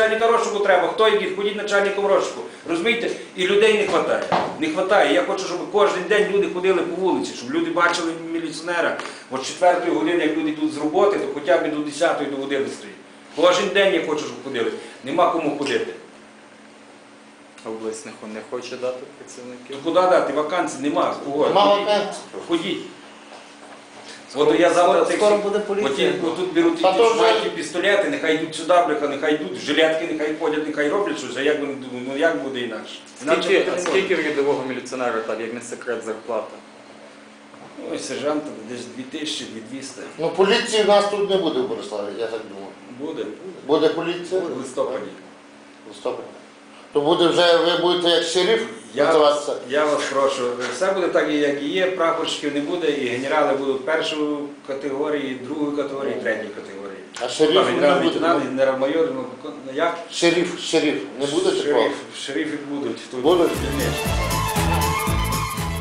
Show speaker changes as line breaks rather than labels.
начальника розшуку треба, хто йде, ходіть начальником розшуку. Розумієте? І людей не вистачає. Не вистачає. Я хочу, щоб кожен день люди ходили по вулиці, щоб люди бачили міліціонера. От з 4-ї години, як люди йдуть з роботи, то хоча б до 10-ї, до 11-ї. Кожен день я хочу, щоб ходили. Нема кому ходити.
Область не хоче дати працівників?
То куди дати? Вакансій нема.
Нема вакансій.
Ходіть. От я завтра
Скоро буде поліція.
тут беруть ті шмайки, пістолети, нехай йдуть сюди, бляха, нехай йдуть, жилетки, нехай ходять, нехай роблять щось, а як вони думають, ну як буде інакше?
Скільки в рядового міліціонера, так, як не секрет, зарплата?
Ой, сержанта десь 2000-2200.
Ну поліції в нас тут не буде в Бориславі, я так думаю.
Буде.
Буде поліція?
В листопаді.
В листопаді. То буде вже, ви будете як шериф називатися?
Я вас прошу, все буде так, як і є, прапорщиків не буде, і генерали будуть першої категорії, другої категорії, третьої категорії.
А шерифів не буде?
Генерал-майор, ну як?
Шериф не буде такого?
Шерифи будуть.
Будуть?
Звісно.